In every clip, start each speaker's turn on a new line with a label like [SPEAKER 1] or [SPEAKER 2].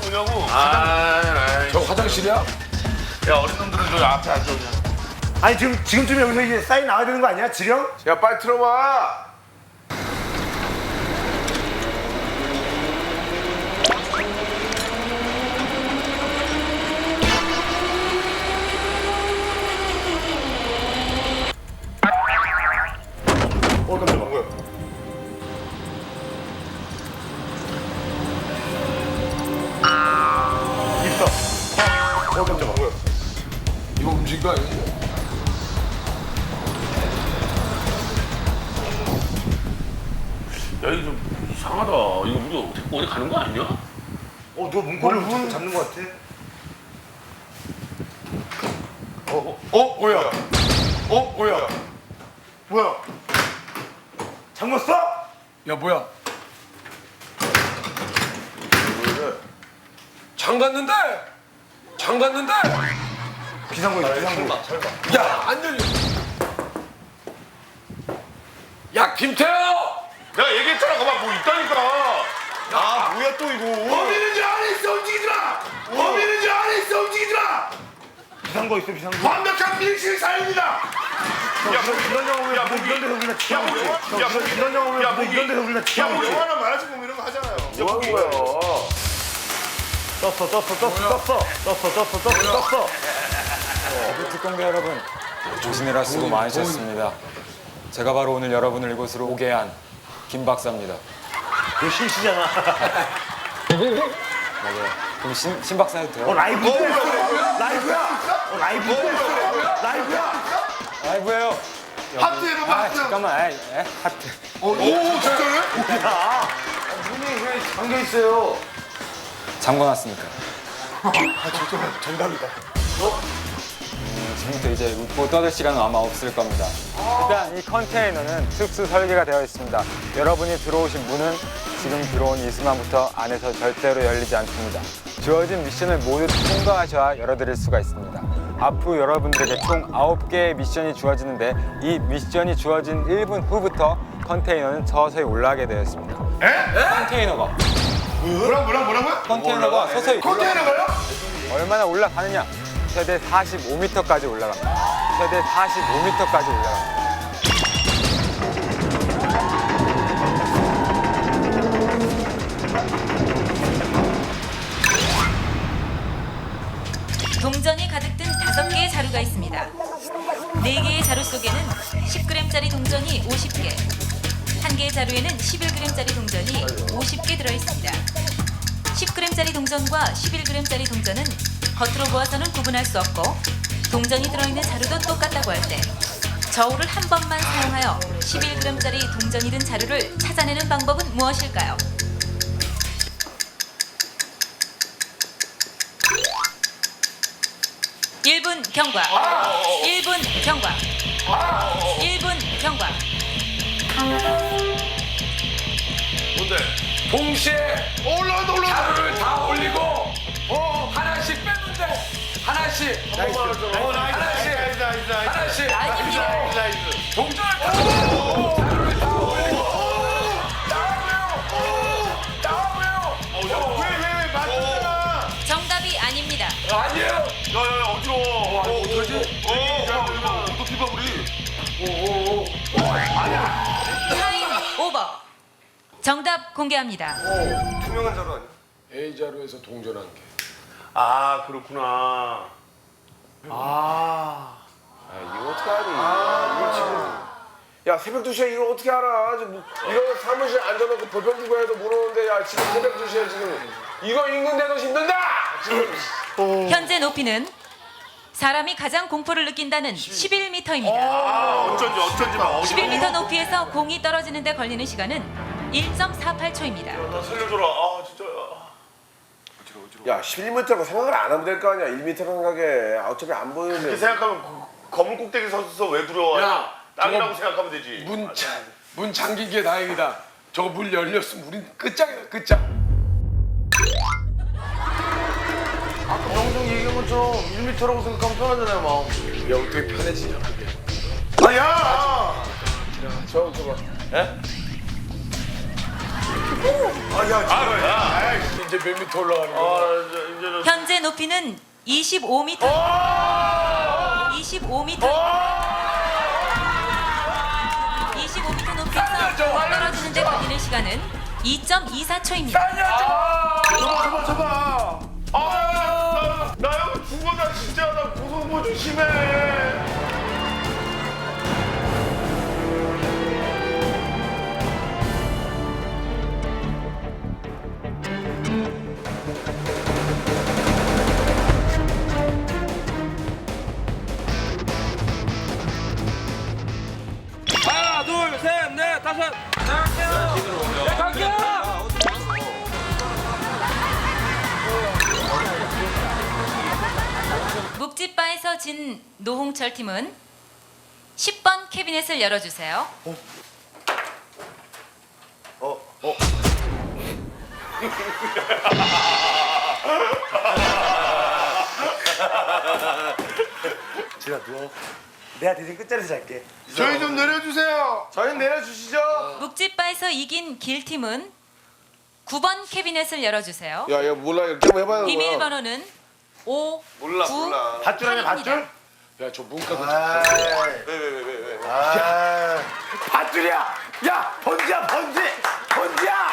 [SPEAKER 1] 뭐냐고.
[SPEAKER 2] 저 화장실이야?
[SPEAKER 1] 야, 어린 놈들은 저 앞에 앉아 그냥.
[SPEAKER 3] 아니 지금쯤 여기서 이제 사인 나와야 되는 거 아니야? 지령?
[SPEAKER 2] 야 빨리 들어와.
[SPEAKER 3] 깜짝아. 뭐야? 있어. 깜짝아. 뭐야?
[SPEAKER 2] 이거 움직인 거 아니지?
[SPEAKER 1] 야, 이거 좀 이상하다. 이거 우리 어디 가는 거 아니야?
[SPEAKER 3] 너 문고리를 자꾸 잡는 거 같아.
[SPEAKER 2] 뭐야? 뭐야?
[SPEAKER 3] 뭐야? 잠궜어?
[SPEAKER 2] 야 뭐야? 장갔는데? 장갔는데?
[SPEAKER 3] 비상구 있어. 비상구.
[SPEAKER 2] 야 안 열려. 야 김태호!
[SPEAKER 1] 내가 얘기했잖아. 그만 뭐 있다니까.
[SPEAKER 3] 아 뭐야 또 이거?
[SPEAKER 2] 범인은 저 안에 있어 움직이지 마! 범인은 저 안에 있어 움직이지 마!
[SPEAKER 3] 비상구 있어. 비상구.
[SPEAKER 2] 완벽한 밀실 사연이다!
[SPEAKER 3] 이런 영화면 뭐 이런 데서 우리가 취하고 있지. 이런 영화면 뭐 이런 데서 우리가 취하고 있지.
[SPEAKER 1] 영화나 만화책 보면 이런 거 하잖아요.
[SPEAKER 2] 뭐 하는 거야?
[SPEAKER 3] 떴어.
[SPEAKER 4] 특공대 여러분, 조심해라 수고 많으셨습니다. 제가 바로 오늘 여러분을 이곳으로 오게 한 김 박사입니다.
[SPEAKER 3] 그 실시잖아.
[SPEAKER 4] 맞아요. 그럼 신 박사 해도 돼요?
[SPEAKER 3] 라이브야. 라이브야.
[SPEAKER 4] 라이브예요.
[SPEAKER 2] 하트 해봐 하트!
[SPEAKER 4] 잠깐만, 하트.
[SPEAKER 2] 오 진짜네?
[SPEAKER 3] 문이 왜 잠겨 있어요?
[SPEAKER 4] 잠궈놨습니까?
[SPEAKER 3] 정답이다.
[SPEAKER 4] 지금부터 이제 웃고 떠들 시간은 아마 없을 겁니다. 일단 이 컨테이너는 특수 설계가 되어 있습니다. 여러분이 들어오신 문은 지금 들어온 이 순간부터 안에서 절대로 열리지 않습니다. 주어진 미션을 모두 통과하셔야 열어드릴 수가 있습니다. 앞으로 여러분들에게 총 9개의 미션이 주어지는데 이 미션이 주어진 1분 후부터 컨테이너는 서서히 올라가게 되어 있습니다. 컨테이너가
[SPEAKER 2] 뭐라고요?
[SPEAKER 4] 컨테이너가 서서히
[SPEAKER 2] 컨테이너가요?
[SPEAKER 4] 얼마나 올라가느냐? 최대 45m까지 올라갑니다. 최대 45m까지 올라갑니다.
[SPEAKER 5] 동전이 가득 든 5개의 자루가 있습니다. 4개의 자루 속에는 10g짜리 동전이 50개, 1개의 자루에는 11g짜리 동전이 50개 들어있습니다. 10g짜리 동전과 11g짜리 동전은 겉으로 보아서는 구분할 수 없고 동전이 들어있는 자루도 똑같다고 할 때 저울을 한 번만 사용하여 11g짜리 동전이 든 자루를 찾아내는 방법은 무엇일까요? (1분) 경과. 1분 경과. 1분 경과.
[SPEAKER 1] 뭔데?
[SPEAKER 2] 동시에 자루를 다 올리고 하나씩 빼면 돼. 하나씩. 하나씩. 동전을 다 올리고 자루를 다 올리고 나와보요.
[SPEAKER 1] 왜 맞잖아.
[SPEAKER 5] 정답이 아닙니다.
[SPEAKER 2] 아니에요.
[SPEAKER 1] 야야야 어지러워.
[SPEAKER 2] 어떡하지?
[SPEAKER 1] 어떻게 봐 우리?
[SPEAKER 5] 타임 오버. 정답 공개합니다.
[SPEAKER 3] 투명한 자루 아니야?
[SPEAKER 2] A 자루에서 동전한 개.
[SPEAKER 1] 아 그렇구나.
[SPEAKER 2] 이거 어떻게 하니? 이거 지금. 야 새벽 2시에 이걸 어떻게 알아? 이거 사무실 앉아놓고 볼펜 들고 해도 모르는데 야 지금 새벽 2시에 지금 이거 읽는데도 힘든다! 지금.
[SPEAKER 5] 현재 높이는 사람이 가장 공포를 느낀다는 11m입니다.
[SPEAKER 1] 어쩐지 막
[SPEAKER 5] 11m 높이에서 공이 떨어지는 데 걸리는 시간은 1.48초입니다.
[SPEAKER 1] 나 살려줘라. 아 진짜.
[SPEAKER 2] 야 11m라고 생각을 안 하면 될 거 아니야. 1m 생각해. 어차피 안 보이는데.
[SPEAKER 1] 그렇게 생각하면 검은 꼭대기 서서 왜 두려워?
[SPEAKER 2] 야,
[SPEAKER 1] 땅이라고
[SPEAKER 2] 저거
[SPEAKER 1] 생각하면 되지.
[SPEAKER 2] 문 잠긴 게 다행이다. 저거 문 열렸으면 우린 끝장이다 끝장.
[SPEAKER 3] 아까 명정 얘기한 것처럼 1m라고 생각하면 편하잖아요, 마음.
[SPEAKER 2] 야 어떻게 편해지냐 그게.
[SPEAKER 3] 아, 야!
[SPEAKER 2] 저거.
[SPEAKER 1] 예?
[SPEAKER 2] 이제 몇 미터 올라가는 거야?
[SPEAKER 5] 현재 높이는 25m. 25m. 25m 높이에서 떨어지는 데 걸리는 시간은 2.24초입니다.
[SPEAKER 3] 잡아.
[SPEAKER 1] 나 여기 죽어다 진짜 나 무서운 거 조심해.
[SPEAKER 6] 하나, 둘, 셋, 넷, 다섯.
[SPEAKER 5] 묵찌바에서 진 노홍철 팀은 10번 캐비넷을 열어주세요.
[SPEAKER 3] 지나 누워. 내가 대신 끝자리에서 잘게.
[SPEAKER 1] 저희 좀 내려주세요.
[SPEAKER 2] 저희 내려주시죠.
[SPEAKER 5] 묵찌바에서 이긴 길 팀은 9번 캐비넷을 열어주세요.
[SPEAKER 2] 야 몰라 이렇게 한번 해봐요.
[SPEAKER 5] 비밀번호는 5,
[SPEAKER 2] 몰라,
[SPEAKER 5] 9,
[SPEAKER 2] 몰라.
[SPEAKER 3] 밧줄 아니야, 밧줄?
[SPEAKER 2] 야저 문과도
[SPEAKER 3] 왜? 밧줄이야. 야, 번지야, 번지. 번지야.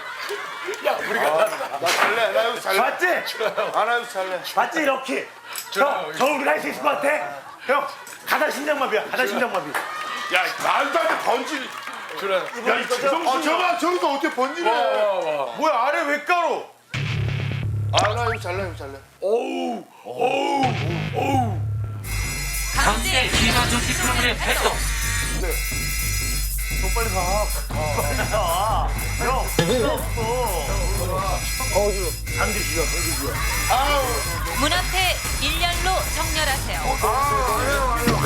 [SPEAKER 1] 나 잘래. 나 여기 잘래.
[SPEAKER 3] 맞지?
[SPEAKER 1] 안 하고 잘래.
[SPEAKER 3] 맞지, 이렇게. 형, 저 우리가 할 수 있을 것 같아? 형, 가다 심장마비야. 가다 심장마비.
[SPEAKER 1] 야 말도 안 돼 번지.
[SPEAKER 2] 그래.
[SPEAKER 3] 야, 이거
[SPEAKER 1] 저봐 저기서 어떻게 번지래?
[SPEAKER 2] 뭐야 아래 왜 깔어?
[SPEAKER 1] 아나 여기 잘래. 여기 잘래.
[SPEAKER 5] 강제 비만조 디플로마의 발동.
[SPEAKER 3] 빨리 가. 형, 필요 없어. 잠들 쉬어, 잠들 쉬어.
[SPEAKER 5] 문 앞에 일렬로 정렬하세요.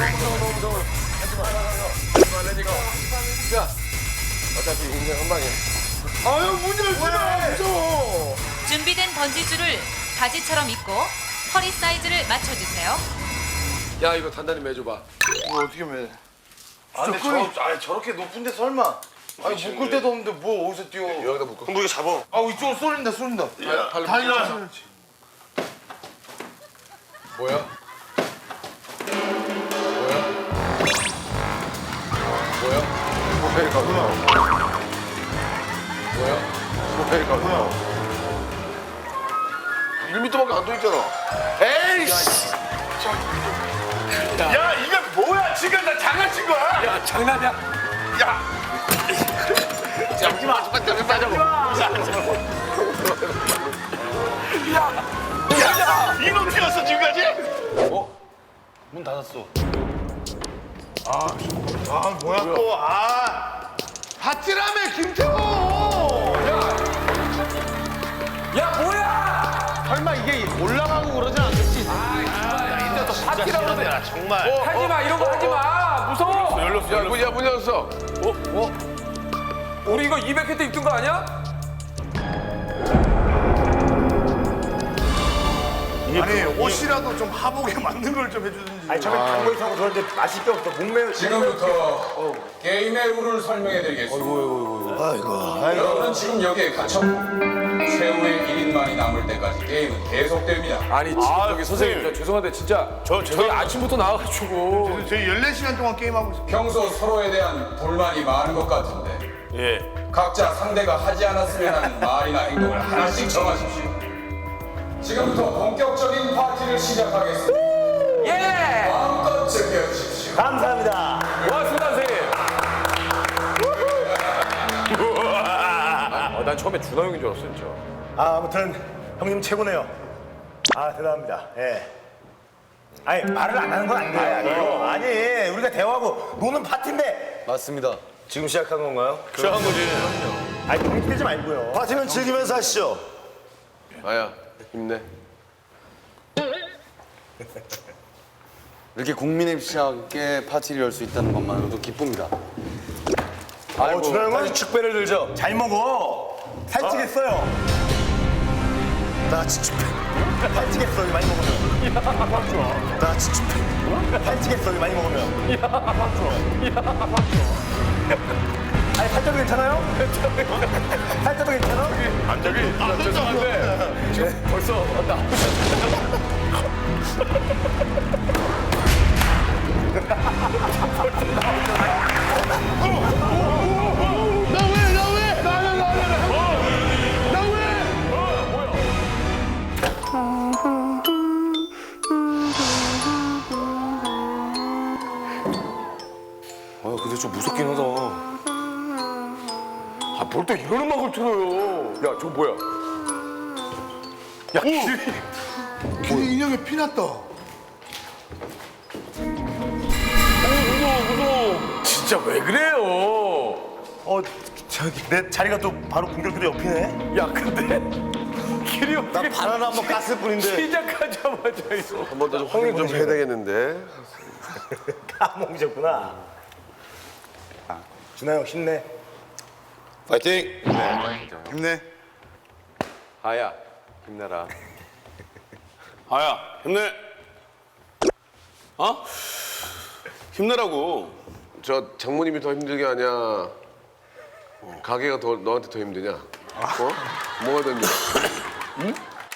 [SPEAKER 2] 어차피 인생 한 방이야.
[SPEAKER 1] 아유 문 열지 마. 무서워.
[SPEAKER 5] 준비된 번지줄을 바지처럼 입고 허리 사이즈를 맞춰주세요.
[SPEAKER 2] 야 이거 단단히 매줘봐.
[SPEAKER 1] 이거 어떻게 매?
[SPEAKER 3] 근데 저렇게 높은데 설마. 아니, 묶을 데도 없는데 뭐 어디서 뛰어.
[SPEAKER 2] 여기다 묶어.
[SPEAKER 1] 그럼 이거 잡아.
[SPEAKER 3] 아, 이쪽으로 쏠린다, 쏠린다.
[SPEAKER 2] 달려. 뭐야? 뭐야? 뭐야? 1m밖에 안 돼 있잖아. 에이씨!
[SPEAKER 1] 야 이게 뭐야? 지금 나 장난친 거야?
[SPEAKER 2] 야 장난이야?
[SPEAKER 1] 야
[SPEAKER 2] 잡지마. 빨리 빠져고.
[SPEAKER 1] 이놈 뛰었어 지금까지?
[SPEAKER 3] 문 닫았어.
[SPEAKER 1] 뭐야 또? 밭이라며 김태호.
[SPEAKER 2] 야 뭐야? 설마 이게 올라가고 그러진 않겠지? 이제 또 파티라고 그러네.
[SPEAKER 1] 정말.
[SPEAKER 2] 하지마 이런 거 하지마. 무서워. 열렸어. 문 열었어. 우리 이거 200회 때 입던 거 아니야?
[SPEAKER 1] 아니 옷이라도 좀 하복에 맞는 걸 좀 해주든지.
[SPEAKER 3] 아니, 처음에 단거 있어서 그런데 마실 게 없어. 목매어.
[SPEAKER 7] 지금부터 게임의 룰을 설명해드리겠습니다. 여러분은 지금 여기에 갇혔고 최후의 1인만이 남을 때까지 게임은 계속됩니다.
[SPEAKER 2] 아니 저기 선생님 저 죄송한데 진짜 저희 아침부터 나와가지고
[SPEAKER 1] 저희 14시간 동안 게임하고 있어.
[SPEAKER 7] 평소 서로에 대한 불만이 많은 것 같은데 각자 상대가 하지 않았으면 하는 말이나 행동을 하나씩 정하십시오. 지금부터 본격적인 파티를 시작하겠습니다.
[SPEAKER 2] 예!
[SPEAKER 7] 마음껏 즐겨주십시오.
[SPEAKER 3] 감사합니다.
[SPEAKER 2] 고맙습니다 선생님. 난 처음에 준하 형인 줄 알았어 진짜.
[SPEAKER 3] 아무튼 형님 최고네요. 대단합니다. 예. 아니, 말을 안 하는 건 안 돼요. 아니, 우리가 대화하고 노는 파티인데.
[SPEAKER 8] 맞습니다.
[SPEAKER 3] 지금 시작한 건가요?
[SPEAKER 2] 시작한 거지.
[SPEAKER 3] 아니, 너무 힘들지 말고요.
[SPEAKER 8] 파티는 즐기면서 하시죠.
[SPEAKER 2] 아야 힘내.
[SPEAKER 8] 이렇게 국민의시하게 파티를 열 수 있다는 것만으로도 기쁩니다.
[SPEAKER 3] 준하 형은
[SPEAKER 8] 다시 축배를 들죠.
[SPEAKER 3] 잘 먹어. 살찌겠어요.
[SPEAKER 8] 다 같이 축배.
[SPEAKER 3] 살찌겠어, 많이 먹으면.
[SPEAKER 8] 다 같이 축배.
[SPEAKER 3] 살찌겠어, 많이 먹으면. 아니 살쪄도 괜찮아요? 살쪄도 괜찮아?
[SPEAKER 1] 안 저기 죄송한데 지금 벌써 왔다.
[SPEAKER 2] 아 근데 좀 무섭긴 하다. 아 뭘 또 이런 음악을 틀어요. 야 저 뭐야? 야
[SPEAKER 9] 길이 인형에 피났다.
[SPEAKER 2] 무서워. 진짜 왜 그래요?
[SPEAKER 3] 저기 내 자리가 또 바로 공격기도 옆이네.
[SPEAKER 2] 야 근데 길이
[SPEAKER 3] 나 바나나 한번 깠을 뿐인데.
[SPEAKER 2] 시작하자마자 이거.
[SPEAKER 10] 한 번 더 좀 확인 좀 해야 되겠는데.
[SPEAKER 3] 까먹으셨구나. 준하 형 힘내.
[SPEAKER 8] 파이팅!
[SPEAKER 9] 힘내.
[SPEAKER 10] 하야, 힘내라.
[SPEAKER 1] 아야 힘내. 어? 힘내라고.
[SPEAKER 10] 저 장모님이 더 힘들게 하냐? 가게가 더 너한테 더 힘드냐? 어? 뭐가 더 힘들어? 응?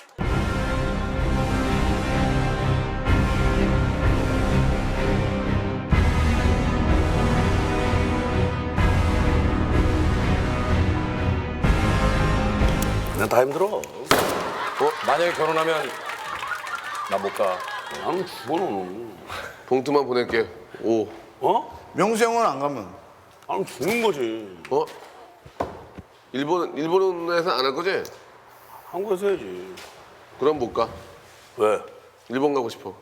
[SPEAKER 1] 난 다 힘들어.
[SPEAKER 2] 만약에 결혼하면 나 못 가.
[SPEAKER 1] 나는 죽어 너는.
[SPEAKER 10] 봉투만 보낼게. 오.
[SPEAKER 1] 어?
[SPEAKER 9] 명수 형은 안 가면.
[SPEAKER 1] 나는 죽는 거지.
[SPEAKER 10] 어? 일본에서 안 할 거지?
[SPEAKER 1] 한국에서 해야지.
[SPEAKER 10] 그럼 못 가.
[SPEAKER 1] 왜?
[SPEAKER 10] 일본 가고 싶어.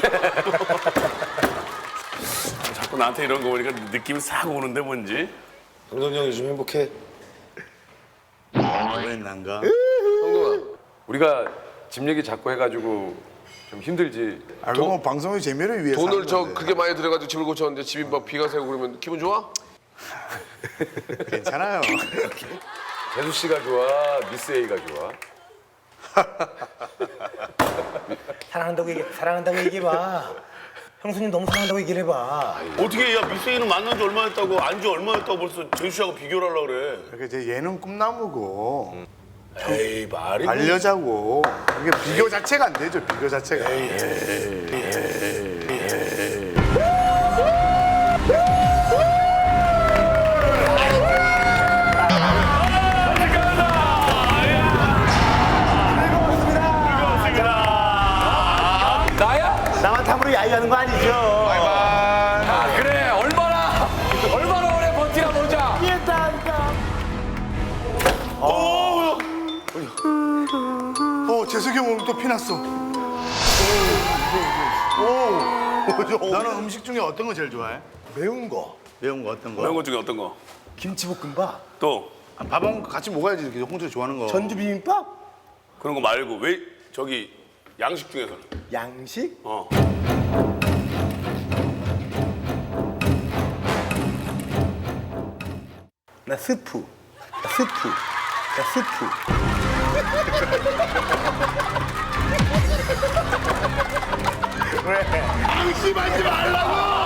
[SPEAKER 1] 자꾸 나한테 이런 거 보니까 느낌이 싹 오는데 뭔지.
[SPEAKER 8] 강동이 형이 좀 행복해.
[SPEAKER 9] 왜안 가?
[SPEAKER 10] 형동아.
[SPEAKER 2] 우리가 집 얘기 자꾸 해가지고 좀 힘들지.
[SPEAKER 9] 아, 그건 방송의 재미를 위해서.
[SPEAKER 10] 돈을
[SPEAKER 9] 하는
[SPEAKER 10] 저
[SPEAKER 9] 건데.
[SPEAKER 10] 그게 많이 들어가지고 집을 고쳤는데 집이 막 비가 새고 그러면 기분 좋아?
[SPEAKER 9] 괜찮아요.
[SPEAKER 2] 재수 씨가 좋아, 미스 A가 좋아.
[SPEAKER 3] 사랑한다고 얘기해봐. 형수님 너무 사랑한다고 얘기를 해봐.
[SPEAKER 1] 어떻게 야 미세이는 만난 지 얼마 됐다고 안지 얼마 됐다고 벌써 재수 씨하고 비교를 하려고 그래.
[SPEAKER 9] 그러니까 이제 얘는 꿈나무고
[SPEAKER 1] 에이 말이 뭐.
[SPEAKER 9] 반려자고. 이게 비교 자체가 안 되죠. 비교 자체가.
[SPEAKER 2] 나야?
[SPEAKER 3] 나만 탐으로 야유하는 거 아니죠?
[SPEAKER 2] 아, 그래. 얼마나 오래 버티나 보자.
[SPEAKER 9] 재석이 형 오늘 또 피났어. 너는 음식 중에 어떤 거 제일 좋아해?
[SPEAKER 3] 매운 거.
[SPEAKER 9] 매운 거 어떤 거?
[SPEAKER 1] 매운 것 중에 어떤 거?
[SPEAKER 3] 김치볶음밥.
[SPEAKER 1] 또
[SPEAKER 9] 아, 밥하고 같이 먹어야지. 이렇게 홍철이 좋아하는 거.
[SPEAKER 3] 전주 비빔밥.
[SPEAKER 1] 그런 거 말고 왜 저기 양식 중에서는?
[SPEAKER 3] 양식.
[SPEAKER 1] 어.
[SPEAKER 3] 나 스프. 나 스프.
[SPEAKER 1] 방심하지 말라고!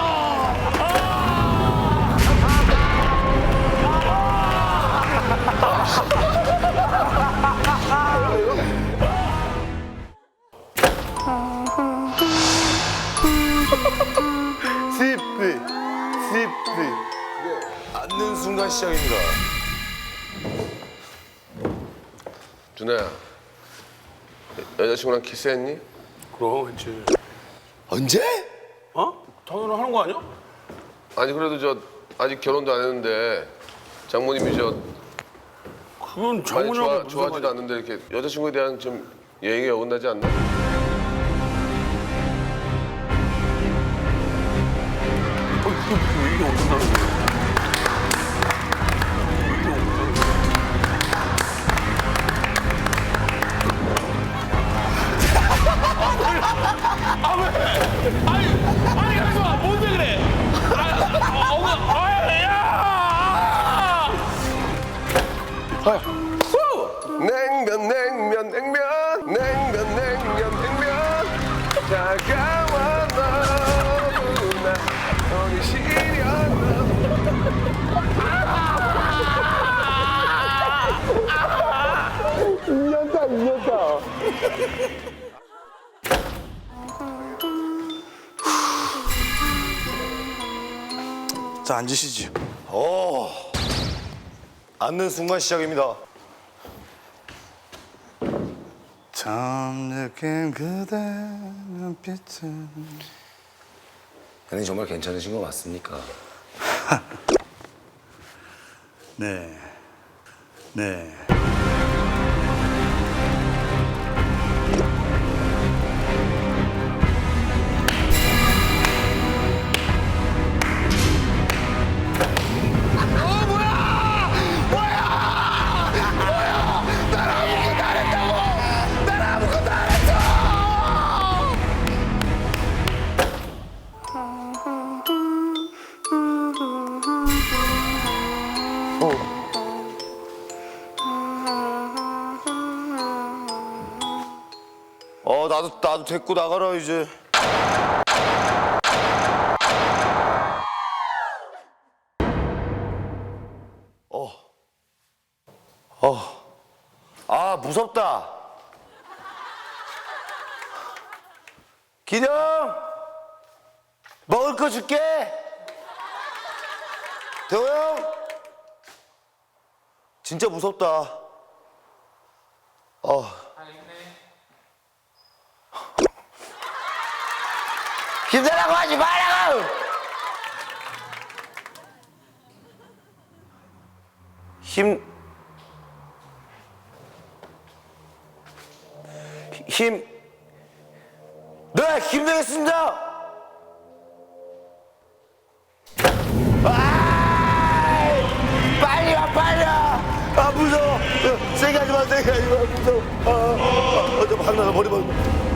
[SPEAKER 3] 스프.
[SPEAKER 2] 앉는 순간 시작입니다.
[SPEAKER 10] 준아야. 여자친구랑 키스했니?
[SPEAKER 1] 그럼 했지.
[SPEAKER 10] 언제?
[SPEAKER 1] 어? 당연히 하는 거 아니야?
[SPEAKER 10] 아니 그래도 저 아직 결혼도 안 했는데 장모님이 저
[SPEAKER 1] 그건
[SPEAKER 10] 많이
[SPEAKER 1] 장모님하고 무슨
[SPEAKER 10] 좋아하지도
[SPEAKER 1] 상관이야?
[SPEAKER 10] 않는데 이렇게 여자친구에 대한 좀 예의가 어긋나지 않나?
[SPEAKER 1] 이게 어떻다는 거야? 아니 가만있어 뭔데 그래?
[SPEAKER 10] 냉면 다가와 너무나 손이 시려
[SPEAKER 9] 자, 앉으시죠.
[SPEAKER 3] 앉는 순간 시작입니다.
[SPEAKER 9] 참 느낀 그대 눈빛은.
[SPEAKER 3] 형님 정말 괜찮으신 거 맞습니까?
[SPEAKER 9] 네. 네.
[SPEAKER 3] 나도 데리고 나가라 이제. 아 무섭다. 기령 먹을 거 줄게. 대호 형 진짜 무섭다. 힘내라고 하지 말라고! 네, 힘내겠습니다! 빨리 와, 빨리 와! 아, 무서워! 세게 하지 마, 세게 하지 마, 무서워! 저 반나가 머리 봐.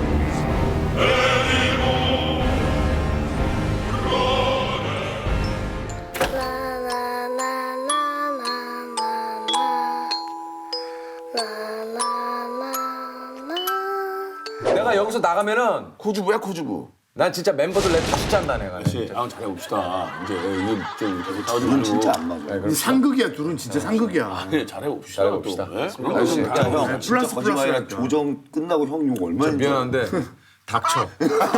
[SPEAKER 6] 내가 여기서 나가면은
[SPEAKER 10] 코주부야 코주부.
[SPEAKER 6] 난 진짜 멤버들 내다 숫잔다 내가.
[SPEAKER 1] 아 잘해봅시다. 이제 이거 좀 계속 싸우지
[SPEAKER 9] 둘은
[SPEAKER 1] 말고.
[SPEAKER 9] 진짜 안 맞아. 상극이야, 둘은 진짜 상극이야.
[SPEAKER 1] 네, 잘해봅시다.
[SPEAKER 6] 잘해봅시다.
[SPEAKER 1] 또. 네?
[SPEAKER 9] 형, 플러스 플러스.
[SPEAKER 3] 조정 끝나고 형 욕 얼마나
[SPEAKER 6] 미안한데 닥쳐.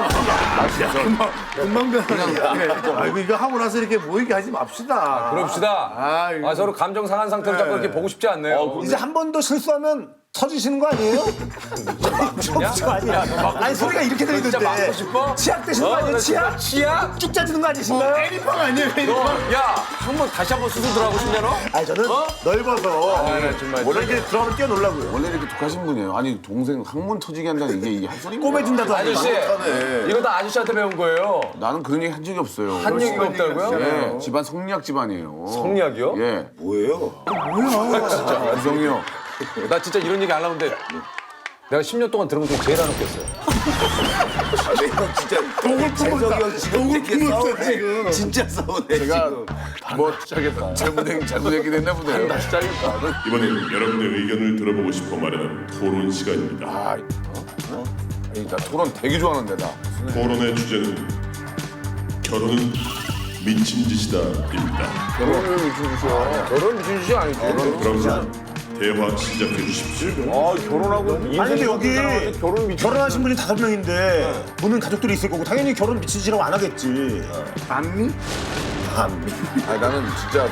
[SPEAKER 9] 금방 변하네. 아이고, 이거 하고 나서 이렇게 모이게 하지 맙시다.
[SPEAKER 6] 그럽시다.
[SPEAKER 9] 아이고.
[SPEAKER 6] 서로 감정 상한 상태로 자꾸 이렇게 보고 싶지 않네요.
[SPEAKER 3] 이제 한 번 더 실수하면 터지시는 거 아니에요? 저 아니야. 아니 소리가 이렇게 들리던데.
[SPEAKER 6] 진짜 맞고 싶어?
[SPEAKER 3] 치약 드시는 거 아니에요? 치약?
[SPEAKER 6] 치약?
[SPEAKER 3] 쭉 짜지는 거 아니신가요?
[SPEAKER 9] 애니팡 아니에요, 애니팡.
[SPEAKER 6] 야, 한번 다시 한번 수술 들어가고 싶냐 너?
[SPEAKER 3] 아니 저는 넓어서
[SPEAKER 6] 정말.
[SPEAKER 3] 원래 이렇게 들어가면 뛰어놀라고요.
[SPEAKER 10] 원래 이렇게 독하신 분이에요. 아니 동생 항문 터지게 한다는 이게 할 소리인가요?
[SPEAKER 3] 꼬매준다도 아니고.
[SPEAKER 6] 아저씨, 이거 다 아저씨한테 배운 거예요.
[SPEAKER 10] 나는 그런 얘기 한 적이 없어요.
[SPEAKER 6] 한 얘기가 없다고요?
[SPEAKER 10] 예, 집안 성리학 집안이에요.
[SPEAKER 6] 성리학이요?
[SPEAKER 10] 예.
[SPEAKER 3] 뭐예요?
[SPEAKER 10] 유성이요.
[SPEAKER 6] 나 진짜 이런 얘기 안 하는데 내가 10년 동안 들은 것 중에 제일 안 웃겼어요.
[SPEAKER 3] 진짜 독을 품었다. 독을 품었어 지금. 진짜 싸우네
[SPEAKER 10] 제가
[SPEAKER 3] 지금.
[SPEAKER 10] 뭐 짜겠다. 잘못 얘기했나 보네요. 다시 짜겠다.
[SPEAKER 11] 이번엔 여러분의 의견을 들어보고 싶어 마련한 토론 시간입니다.
[SPEAKER 10] 나 토론 되게 좋아하는데 나.
[SPEAKER 11] 토론의 주제는 결혼은 미친 짓이다입니다.
[SPEAKER 10] 결혼을 미친 짓이야.
[SPEAKER 6] 결혼 미친 짓이 아니지.
[SPEAKER 11] 그럼 대화 시작해 주십시오.
[SPEAKER 10] 결혼하고
[SPEAKER 3] 아니 근데 여기
[SPEAKER 10] 결혼 미친
[SPEAKER 3] 결혼하신 분이 5명인데 보는 가족들이 있을 거고 당연히 결혼 미친 짓이라고 안 하겠지.
[SPEAKER 9] 반미?
[SPEAKER 10] 아니 나는 진짜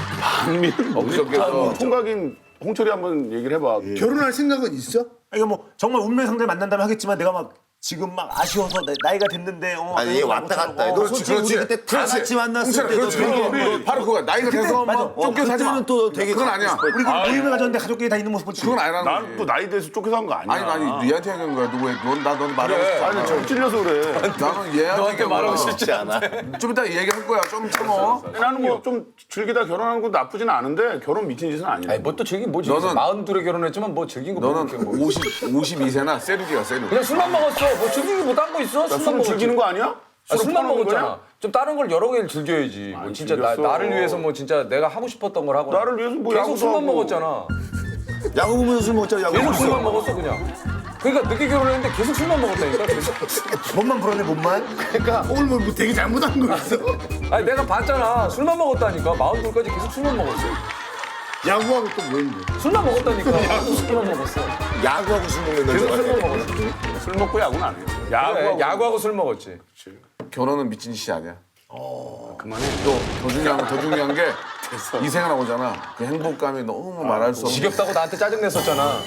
[SPEAKER 10] 엊그저께서
[SPEAKER 1] 총각인 홍철이 한번 얘기를 해봐.
[SPEAKER 9] 결혼할 생각은 있어?
[SPEAKER 3] 이거 뭐 정말 운명의 상대를 만난다면 하겠지만 내가 막 지금 막 아쉬워서 나이가 됐는데
[SPEAKER 9] 아니, 얘 왔다 갔다 해.
[SPEAKER 3] 너 솔직히 우리 그때 다 같이 만났을 때도 되게
[SPEAKER 10] 바로 그거야. 나이가 돼서
[SPEAKER 3] 맞아.
[SPEAKER 10] 막 쫓겨서 하지 마.
[SPEAKER 3] 그때는 또 되게
[SPEAKER 10] 그건 아니야.
[SPEAKER 3] 우리 그 모임을 가졌는데 가족끼리 다 있는 모습 보지.
[SPEAKER 10] 그건 아니라는
[SPEAKER 1] 나는
[SPEAKER 10] 거지.
[SPEAKER 1] 또 나이 돼서 쫓겨서 한 거 아니야.
[SPEAKER 10] 아니 니한테 얘기한 거야. 넌 말하고 싶어.
[SPEAKER 1] 아니 저 찔려서 그래.
[SPEAKER 10] 나는 얘한테
[SPEAKER 6] 너한테 말하고 싶지
[SPEAKER 3] 않아.
[SPEAKER 10] 좀 이따 얘기할 거야. 좀 참어.
[SPEAKER 1] 나는 뭐 좀 즐기다 결혼하는 것도 나쁘진 않은데 결혼 미친 짓은 아니야.
[SPEAKER 6] 아니 뭐 또 즐긴 뭐지?
[SPEAKER 10] 너는-
[SPEAKER 6] 42에 결혼했지만 뭐 즐긴 거
[SPEAKER 10] 너는
[SPEAKER 6] 모르겠고 뭐.
[SPEAKER 10] 52세나 세르기야 세르기.
[SPEAKER 6] 그냥 술만 먹었어. 뭐 즐긴 거뭐 딴 거 있어? 술만
[SPEAKER 1] 술을
[SPEAKER 6] 먹었지.
[SPEAKER 1] 즐기는 거 아니야?
[SPEAKER 6] 아, 술만
[SPEAKER 1] 퍼먹는
[SPEAKER 6] 먹었잖아.
[SPEAKER 1] 거냐?
[SPEAKER 6] 좀 다른 걸 여러 개를 즐겨야지. 뭐 진짜
[SPEAKER 1] 즐겼어.
[SPEAKER 6] 나를 위해서 뭐 진짜 내가 하고 싶었던 걸 하고.
[SPEAKER 1] 나를 위해서 뭐
[SPEAKER 6] 계속
[SPEAKER 1] 야구도
[SPEAKER 6] 술만
[SPEAKER 1] 하고.
[SPEAKER 6] 먹었잖아.
[SPEAKER 3] 야구 보면서 술 먹자. 야구
[SPEAKER 6] 계속
[SPEAKER 3] 보면서.
[SPEAKER 6] 술만 먹었어 그냥. 그러니까 늦게 결혼했는데 계속 술만 먹었다니까. 계속.
[SPEAKER 3] 몸만 불었네 몸만.
[SPEAKER 9] 그러니까 오늘 뭐 되게 잘못한 거 있어?
[SPEAKER 6] 아니 내가 봤잖아. 술만 먹었다니까. 42까지 계속 술만 먹었어.
[SPEAKER 9] 야구하고 또 뭐 있는데?
[SPEAKER 6] 술만 먹었다니까. 계속 술만 먹었어.
[SPEAKER 3] 야구하고 술 먹는 날
[SPEAKER 6] 계속
[SPEAKER 3] 좋아해.
[SPEAKER 6] 술만 먹었어.
[SPEAKER 1] 술 먹고 야구는 안 해.
[SPEAKER 6] 그래, 야구하고 술 먹었지.
[SPEAKER 10] 결혼은 미친 짓이 아니야. 그만해. 또 더 중요한 게 이 생각 나오잖아. 그 행복감이 너무 말할 수 없어.
[SPEAKER 6] 지겹다고 나한테 짜증냈었잖아.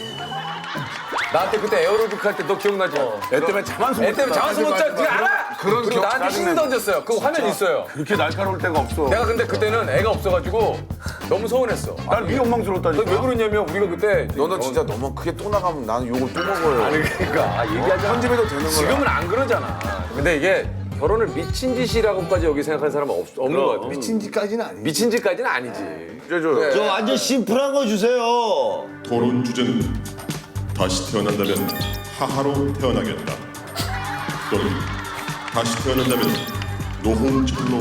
[SPEAKER 6] 나한테 그때 에어로빅 할 때 너 기억나지?
[SPEAKER 10] 애 때문에 잠안
[SPEAKER 6] 애 때문에 잠수 못 자. 그거 알아?
[SPEAKER 10] 그런
[SPEAKER 6] 그리고
[SPEAKER 10] 기억
[SPEAKER 6] 나한테 힘 던졌어요. 그 화면 있어요.
[SPEAKER 10] 그렇게 날카로울 때가 없어.
[SPEAKER 6] 내가 근데 그때는 애가 없어가지고 너무 서운했어.
[SPEAKER 10] 난 네 원망스러웠다니까.
[SPEAKER 6] 왜 그러냐면 우리가 그때
[SPEAKER 10] 너는 진짜 너무 크게 또 나가면 나는 욕을 또 먹어요.
[SPEAKER 6] 아니 그러니까 얘기하자.
[SPEAKER 10] 편집해도 되는 거야.
[SPEAKER 6] 지금은 안 그러잖아. 근데 이게 결혼을 미친 짓이라고까지 여기 생각하는 사람은 없는 것 같아.
[SPEAKER 9] 미친 짓까지는 아니지.
[SPEAKER 6] 미친 짓까지는 아니지.
[SPEAKER 10] 그래줘.
[SPEAKER 3] 저 완전 심플한 거 주세요.
[SPEAKER 11] 토론 주제는 다시 태어난다면 하하로 태어나겠다 또는 다시 태어난다면 노홍철로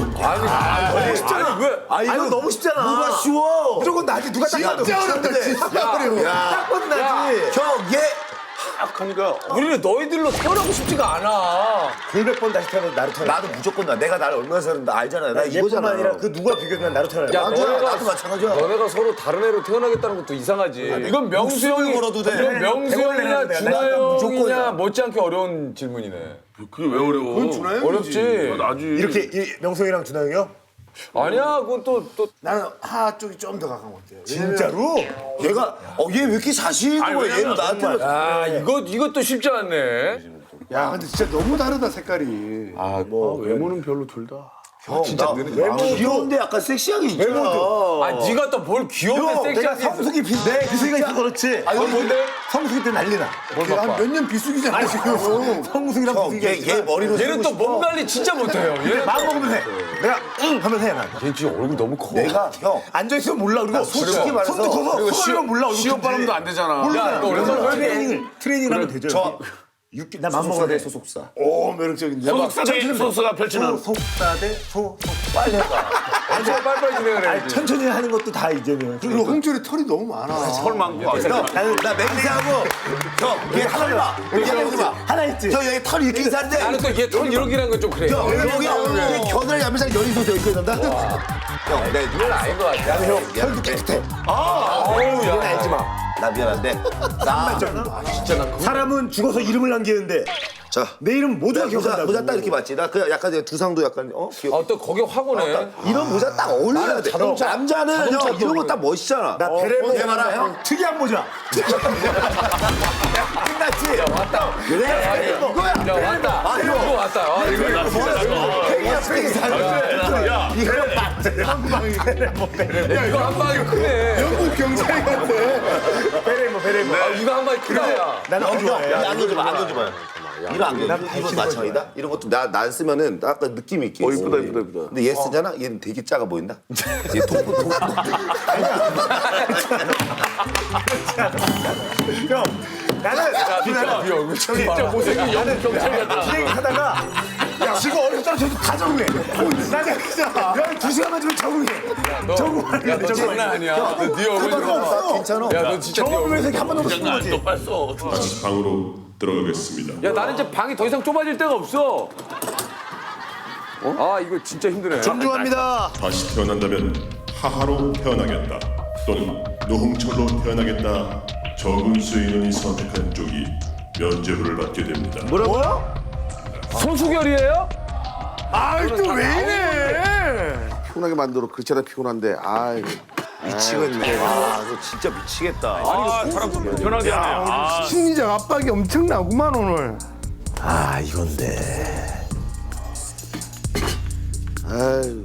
[SPEAKER 6] 아니 왜?
[SPEAKER 3] 아 이거 너무 쉽잖아. 누가 쉬워? 무조건 나지. 누가 딱 봐도
[SPEAKER 9] 진짜 어렵다, 진짜.
[SPEAKER 3] 딱 봐도 나지. 형얘
[SPEAKER 10] 하니까
[SPEAKER 6] 우리는 너희들로 태어나고 싶지가 않아.
[SPEAKER 3] 100번 다시 태어나도 나로 태어나. 나도 무조건 나. 내가 나를 얼마나 사는지 알잖아. 나 이거잖아. 아니라 그 누가 비교하면 나로 태어나.
[SPEAKER 6] 야,
[SPEAKER 3] 나도 마찬가지야.
[SPEAKER 6] 너네가 서로 다른 애로 태어나겠다는 것도 이상하지. 이건 명수 형이
[SPEAKER 3] 걸어도 돼.
[SPEAKER 6] 이건 명수
[SPEAKER 3] 백원을
[SPEAKER 6] 형이냐
[SPEAKER 3] 내는데
[SPEAKER 6] 준하
[SPEAKER 3] 내가 무조건이야.
[SPEAKER 6] 형이냐 못지않게 어려운 질문이네.
[SPEAKER 10] 그게 왜 어려워? 그건 준하영이지.
[SPEAKER 6] 어렵지.
[SPEAKER 10] 나지.
[SPEAKER 3] 이렇게 명성이랑 준하 형이요?
[SPEAKER 6] 아니야, 그건 또
[SPEAKER 9] 나는 하 쪽이 좀 더 가까운 것 같아요.
[SPEAKER 3] 진짜로? 얘가 얘 왜 이렇게 자신 있는 거야? 얘는 나한테
[SPEAKER 6] 아, 이것도 쉽지 않네.
[SPEAKER 9] 야, 근데 진짜 너무 다르다 색깔이.
[SPEAKER 10] 외모는 별로 둘 다.
[SPEAKER 3] 진짜 외모 귀여운데 약간 섹시하게 있잖아.
[SPEAKER 6] 아, 네가 또 뭘 귀여운데
[SPEAKER 3] 내가
[SPEAKER 6] 섹시하게
[SPEAKER 3] 성숙이 비슷해. 비슷이가 있어 그렇지.
[SPEAKER 6] 아, 이건 뭔데?
[SPEAKER 3] 성숙이 때 난리나.
[SPEAKER 9] 몇 년 비수기잖아 지금.
[SPEAKER 3] 성숙이랑 비슷이가 얘 머리로
[SPEAKER 6] 얘는 또 몸 관리 진짜 못해요. 얘는
[SPEAKER 3] 마음 먹으면 해. 내가 응 하면 해 난.
[SPEAKER 6] 얘 지금 얼굴 너무 커.
[SPEAKER 3] 내가 형 앉아 있으면 몰라. 그리고 솔직히 말해서 손도 커서 손이면 몰라.
[SPEAKER 10] 시험 발음도 안 되잖아.
[SPEAKER 6] 야, 너
[SPEAKER 3] 그래서
[SPEAKER 6] 얼마나
[SPEAKER 3] 트레이닝을 하면 되죠. 저 육기 나 마음 먹어야 돼 소속사.
[SPEAKER 9] 오 매력적인데.
[SPEAKER 10] 소속사가 펼치는.
[SPEAKER 3] 소속사 대 소속 빨리 해봐.
[SPEAKER 6] 진짜 빨리빨리 진행을
[SPEAKER 3] 아니,
[SPEAKER 6] 해야지.
[SPEAKER 3] 천천히 하는 것도 다 이제는.
[SPEAKER 9] 그리고 홍철이 털이 너무 많아.
[SPEAKER 10] 털 많고.
[SPEAKER 3] 나 맹세하고 형 얘 하나 봐. 얘 하나 있지. 형 여기 털 이렇게 있는데.
[SPEAKER 6] 나는 또 얘 털 이렇게라는 건 좀 그래.
[SPEAKER 3] 형 여기 겨드랑이 앞에서 열이 솟아 있고 있는다. 형, 내
[SPEAKER 6] 그건 아닌 것 같아.
[SPEAKER 3] 형 털도 깨끗해. 이건 알지 마. 나 미안한데. 나 진짜 나 사람은 죽어서 이름을 남기는데. 자, 내 이름 모두가 기억한다. 모자 딱 이렇게 맞지? 나 그 약간 두상도 약간 귀여워.
[SPEAKER 6] 또 거기 확 오네.
[SPEAKER 3] 이런 모자 딱 어울려야 돼. 남자는 형 이런 거 딱 멋있잖아. 나 베레모 해봐라 형. 특이한 모자. 끝났지?
[SPEAKER 6] 야, 왔다.
[SPEAKER 3] 그래. 이거야.
[SPEAKER 6] 야, 왔다.
[SPEAKER 3] 아,
[SPEAKER 6] 이거 왔다. 아, 이거 뭐야?
[SPEAKER 3] 팽이야 팽이.
[SPEAKER 10] 야,
[SPEAKER 6] 이거 한 방이 크네.
[SPEAKER 9] 영국 경찰 같아.
[SPEAKER 3] 베레모.
[SPEAKER 6] 아, 이거 한 방이 크다, 야.
[SPEAKER 3] 나는 안 좋아해.
[SPEAKER 8] 안겨줘봐. 이거 안겨. 이거 마찬가지다. 이런 것도 나 쓰면은 약간 느낌 있게.
[SPEAKER 10] 이쁘다.
[SPEAKER 8] 근데 얘 쓰잖아. 얘는 되게 작아 보인다. 얘 통통.
[SPEAKER 3] 형, 나는
[SPEAKER 6] 진짜 못생긴 영국 경찰 같다.
[SPEAKER 3] 진행하다가 야, 지금 어릴 때 저도 다 적응해. 나는 그냥 2시간만 주면 적응해. 적응하는
[SPEAKER 6] 야, 너 장난 아니야. 너네 얼굴 좀
[SPEAKER 3] 없어.
[SPEAKER 8] 괜찮아.
[SPEAKER 6] 야, 너 진짜 네
[SPEAKER 3] 경험을
[SPEAKER 6] 얼굴.
[SPEAKER 3] 해서 한 번도 못 쓰는 거지.
[SPEAKER 1] 또 뺐어.
[SPEAKER 11] 다시 방으로 들어가겠습니다.
[SPEAKER 6] 야, 나는 이제 방이 더 이상 좁아질 데가 없어. 아, 이거 진짜 힘드네.
[SPEAKER 9] 존중합니다.
[SPEAKER 11] 다시 태어난다면 하하로 태어나겠다 또는 노홍철로 태어나겠다. 적은 수의 인원이 선택한 쪽이 면죄부를 받게 됩니다.
[SPEAKER 3] 뭐라고요?
[SPEAKER 6] 소수결이에요?
[SPEAKER 9] 아이 또 왜 이래?
[SPEAKER 10] 피곤하게 만들어. 그렇지 않아 피곤한데. 아이.
[SPEAKER 3] 미치겠네. 아, 너 진짜 미치겠다.
[SPEAKER 1] 아, 사람 좀 불편하게 하네. 아,
[SPEAKER 9] 심리적 압박이 엄청나구만 오늘.
[SPEAKER 3] 아, 이건데.
[SPEAKER 10] 아유.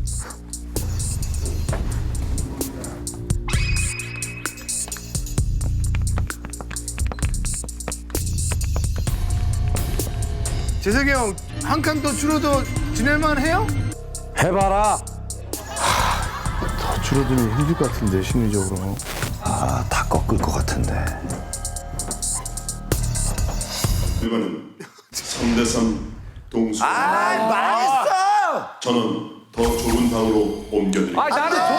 [SPEAKER 9] 재석이 형 한 칸 더 줄어도 지낼만 해요?
[SPEAKER 6] 해봐라.
[SPEAKER 9] 더 줄어들면 힘들 것 같은데 심리적으로.
[SPEAKER 3] 아, 다 꺾을 것 같은데.
[SPEAKER 11] 결과는 3대3 동수.
[SPEAKER 3] 망했어!
[SPEAKER 11] 저는 더 좁은 방으로 옮겨드립니다.
[SPEAKER 6] 아, 나는